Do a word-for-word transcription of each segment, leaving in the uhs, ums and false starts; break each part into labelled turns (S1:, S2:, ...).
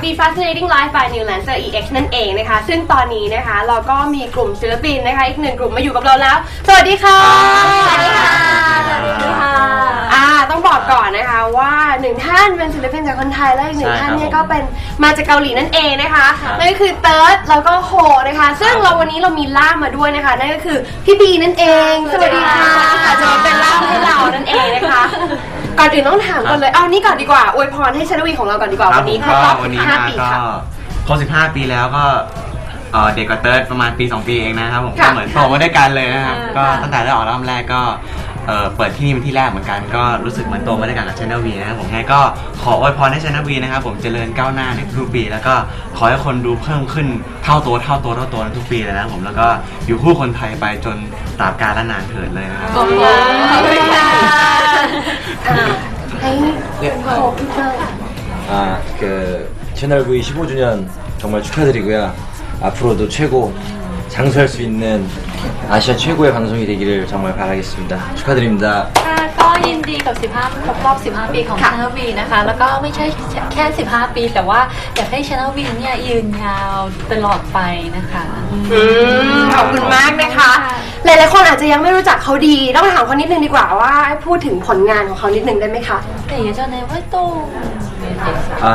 S1: Be Fascinating Life by New Lancer อี เอ็กซ์ นั่นเองนะคะซึ่งตอนนี้นะคะเราก็มีกลุ่มศิลปินนะคะอีกหนึ่งกลุ่มมาอยู่กับเราแล้วสวัสดีค่ะสวัสดีค่ะสวัสดีค่ะอ่าต้องบอกก่อนนะคะว่าหนึ่งท่านเป็นศิลปินจากคนไทยและอีกหนึ่งท่านเนี่ยก็เป็นมาจากเกาหลีนั่นเองนะคะนั่นก็คือเติร์ดแล้วก็โฮนะคะซึ่งเราวันนี้เรามีล่ามมาด้วยนะคะนั่นก็คือพี่บีนั่นเองสวัสดีค่ะจะมาเป็นล่ามให้เรานั่นเองนะคะก่อนอื่นต้องถามก่อนเลยเอานี่ก่อนดีกว่าอวยพรให้ชนวีของเราก่อนดีกว่าวันนี้ครบรอบสิบห้าปีค่ะ
S2: ครบสิบห้าปีแล้วก็เด็กกว่าเติร์ดประมาณปีสองปีเองนะครับผมก็เหมือนโตมาด้วยกันเลยนะครับก็ตั้งแต่ได้ออกอัลบั้มแรกก็เปิดที่นี่เป็นที่แรกเหมือนกันก็รู้สึกเหมือนโตมาด้วยกันกับ Channel V นะครับผมงั้นก็ขออวยพรให้ Channel V นะครับผมเจริญก้าวหน้าในทุกปีแล้วก็ขอให้คนดูเพิ่มขึ้นเท่าตัวเท่าตัวเท่าตัวทุกปีเลยนะผมแล้วก็อยู่คู่คนไทยไปจนตราบกาลและนานเถิดเลยนะครับ
S1: ขอบคุณค่ะให้โฮพี่เติร์ด
S3: 아, 그 채널 V 십오 주년 정말 축하드리고요. 앞으로도 최고 장수할 수 있는 아시아 최고의 방송이 되기를 정말 바라겠습니다. 축하드립니다.
S4: ก็ยินดีกับสิบห้าครบรอบสิบห้าปีของ Channel V นะคะแล้วก็ไม่ใช่แค่สิบห้าปีแต่ว่าอยากให้ Channel V เนี่ยยืนยาวตลอดไปนะคะ
S1: ขอบคุณมากนะคะหลายๆคนอาจจะยังไม่รู้จักเขาดีต้องถามเขานิดนึงดีกว่าว่าพูดถึงผลงานของเขานิดนึงได้ไหมคะ
S4: แต่예전에 활동
S3: 아,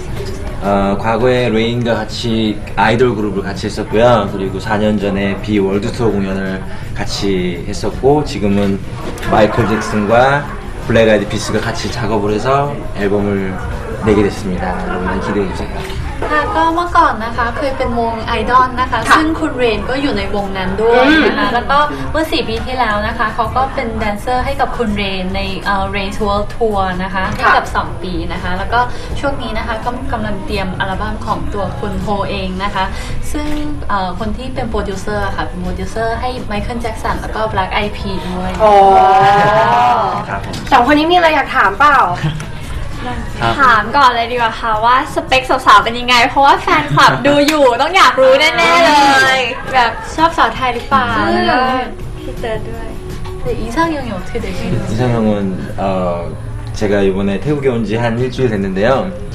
S3: 어, 과거에 레인과 같이 아이돌 그룹을 같이 했었고요. 그리고 사 년 전에 비 월드 투어 공연을 같이 했었고 지금은 마이클 잭슨과 블랙 아이드 피스가 같이 작업을 해서 앨범을 내게 됐습니다. 여러분 많이 기대해 주세요.
S4: ค่ะก็เมื่อก่อนนะคะเคยเป็นวงไอดอลนะคะซึ่งคุณเรนก็อยู่ในวงนั้นด้วยนะคะแล้วก็เมื่อสี่ปีที่แล้วนะคะเขาก็เป็นแดนเซอร์ให้กับคุณเรนในเอ่อ Rain's World Tour นะคะให้กับสองปีนะคะแล้วก็ช่วงนี้นะคะก็กำลังเตรียมอัลบั้มของตัวคุณโฮเองนะคะซึ่งเอ่อคนที่เป็นโปรดิวเซอร์ค่ะเป็นโปรดิวเซอร์ให้ไมเคิลแจ็คสันแล้วก็ Black Eyed Peas ด้วย
S1: โอ้สองคนนี้มีอะไรอยากถามเปล่า
S5: ถามก่อนเลยดีกว่าค่ะว่าสเปคสาวๆเป็นยังไงเพราะว่าแฟนคลับดูอยู่ต้องอยากรู้แน่ๆเลยแบบชอบสาวไทยหรือเปล่าพี่เติร์ดด้วย
S4: 이상형이 어떻게 되세요?
S3: 이상형은 어, 제가 이번에 태국에 온 지 한 일주일 됐는데요.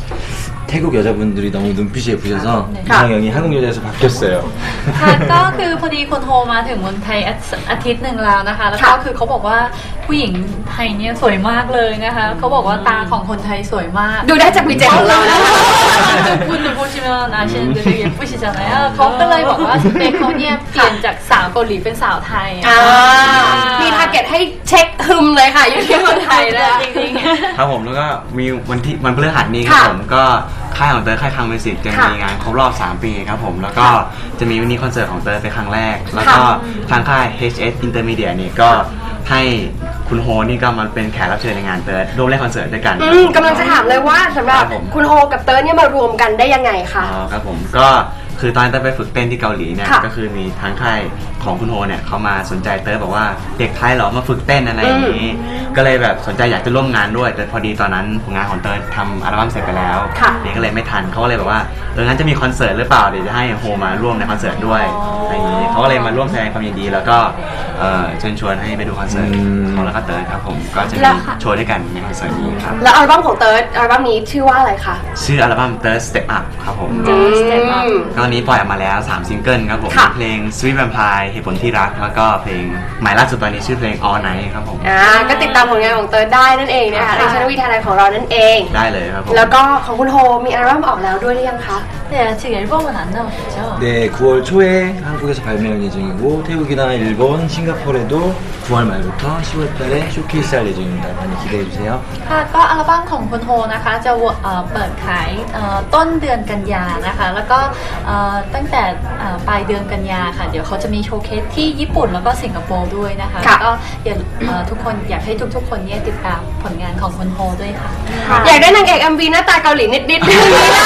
S3: 태국 여자분들이 너무 눈빛이 예쁘셔서 네. 이상형이 한국 여자에서 바뀌었어요.
S4: ค่ะก็คือพอดีคนโทรมาถึงเมืองไทยอาทิตย์หนึ่งแล้วนะคะแล้วก็คือเขาบอกว่าผู้หญิงไทยเนี่ยสวยมากเลยนะคะเขาบอกว่าตาของคนไทยสวยมาก
S1: ดูได้จากวีเจของเรานะคะ
S4: คุณผู้ชมอาเช่นเดลิเกผู้ชิจานะเขาก็เลยบอกว่าสเปคเขาเนี่ยเปลี่ยนจากสาวเกาหลีเป็นสาวไทย
S1: มีทาร์เก็ตให้เช็คฮึมเลยค่ะอยู่ที่เมืองไทยเลยจริง
S2: ๆครับผมแล้วก็มีวันที่วันพฤหัสนี้ครับผมก็ค่ายของเตอร์ค่ายคังมิวสิกจะมีงานครบรอบสามปีครับผมแล้วก็จะมีมินิคอนเสิร์ตของเตอร์เป็นครั้งแรกแล้วก็ทางค่าย เอช เอส Intermedia นี่ก็ให้คุณโฮนี่ก็มาเป็นแขกรับเชิญในงานเติร์ดร่วมเล่นคอนเสิร์ตด้วยกัน
S1: กำลังจะถามเลยว่าสำหรับคุณโฮกับเติร์ดเนี่ยมารวมกันได้ยังไงคะ
S2: อ๋อครับผมก็คือตอนเติร์ดไปฝึกเต้นที่เกาหลีเนี่ยก็คือมีทางค่ายของคุณโฮเนี่ยเขามาสนใจเติร์ดบอกว่าเด็กไทยเหรอมาฝึกเต้นอะไรอย่างนี้ก็เลยแบบสนใจอยากจะร่วมงานด้วยแต่พอดีตอนนั้นผลงานของเติร์ดทำอัลบั้มเสร็จไปแล้วเด็กก็เลยไม่ทันเขาก็เลยบอกว่าเอองั้นจะมีคอนเสิร์ตหรือเปล่าเดี๋ยวจะให้โฮมาร่วมในคอนเสิร์ตด้วยอะไรอย่างนี้เขาก็เลยมาร่วมแสดงความยินดีแล้วก็เชิญชวนให้ไปดูคอนเสิร์ตของแล้วก็เติร์ดครับผมก็จะมีโชว์ด้วยกันในคอนเสิร์ตนี้ครับ
S1: แล้วอัลบั้มของเติร์ดอัลบั้มนี้ชื่อว่าอะไรคะ
S2: ชื่ออัลบั้ม Third Step Up ครับผมตอนนี้ปล่อยออกมาแล้วสามซิงเกิลครับผมเพลง Sweet Vampire เหตุผลที่รักแล้วก็เพลงใหม่ล่าสุดตอนนี้ชื่อเพลง All Night ครับผม
S1: อ่าก็ติดตามผลงานของเติร์ดได้นั่นเองนะคะในช่องวีทาไลของเรานั่นเอง
S2: ได้เลยครับผม
S1: แล้วก็ของคุณโฮมีอัลบั้มออกแล้วด้วยหรือยังคะ
S4: 네 아직 앨범은 안 나왔죠?
S3: 네 구월 초에 한국에서 발매 예정이고 태국이나 일본, 싱가포르에도 구월 말부터 시월 달에 쇼케이스 할 예정입니다. 많이 기대해 주세요.
S4: ค่ะก็อัลบั้มของคุณโฮนะคะจะเปิดขายต้นเดือนกันยานะคะแล้วก็ตั้งแต่ปลายเดือนกันยาค่ะเดี๋ยวเขาจะมีโชว์เคสที่ญี่ปุ่นแล้วก็สิงคโปร์ด้วยนะคะก็อยากทุกคนอยากให้ทุกๆคนเนี่ยติดตามผลงานของคุณโฮด้วยค่ะ
S1: อยากได้นางเอก เอ็ม วี หน้าตาเกาหลีนิดๆ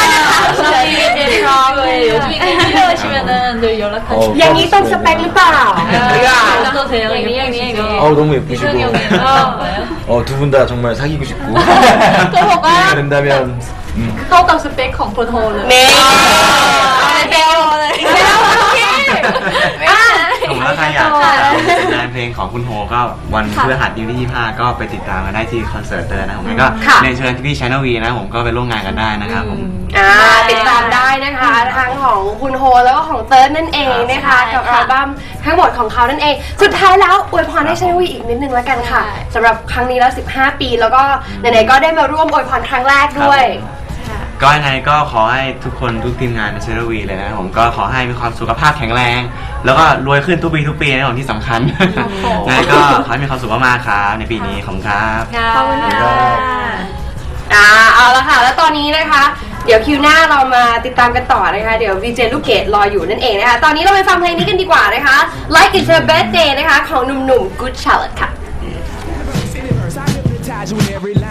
S1: อย่างนี้ต้องสเปคหรือเปล่า
S3: 어 너무 예쁘시고 어 두 분 다 정말 사귀고 싶고 된다면
S4: เข้ากับสเปคของคุณโฮเลย
S1: นี่เบลเลย
S2: ผมรักใครอยากติดตามผลงานเพลงของคุณโฮก็วันพฤหัสที่ยี่สิบห้าก็ไปติดตามกันได้ที่คอนเสิร์ตเตอร์นะผมงั้นก็เรียนเชิญพี่ชานวีนะผมก็ไปร่วมงานกันได้นะครับผม
S1: อ่าติดตามได้นะคะทั้งของคุณโฮแล้วก็ของเติร์ดนั่นเองนะคะกับอัลบั้มทั้งหมดของเขานั่นเองสุดท้ายแล้วอวยพรให้ชานวีอีกนิดนึงแล้วกันค่ะสำหรับครั้งนี้แล้วสิบห้าปีแล้วก็ไหนๆก็ได้มาร่วมอวยพรครั้งแรกด้วย
S2: ก็ยังไงก็ขอให้ทุกคนทุกทีมงานในเชอร์วีเลยนะผมก็ขอให้มีความสุขภาพแข็งแรง แล้วก็รวยขึ้นทุกปีทุกปีนะผมที่สำคัญยังไงก็ขอให้มีความสุขมากๆครับในปีนี้ขอบคุณครับ
S5: ขอบคุณค่ะ
S1: อ่าเอาละค่ะแล้วตอนนี้นะคะเดี๋ยวคิวหน้าเรามาติดตามกันต่อนะคะเดี๋ยววีเจลูกเกดรออยู่นั่นเองนะคะตอนนี้เราไปฟังเพลงนี้กันดีกว่านะคะ Like It's Your Birthday นะคะของหนุ่มๆ Good Charlotte ค่ะ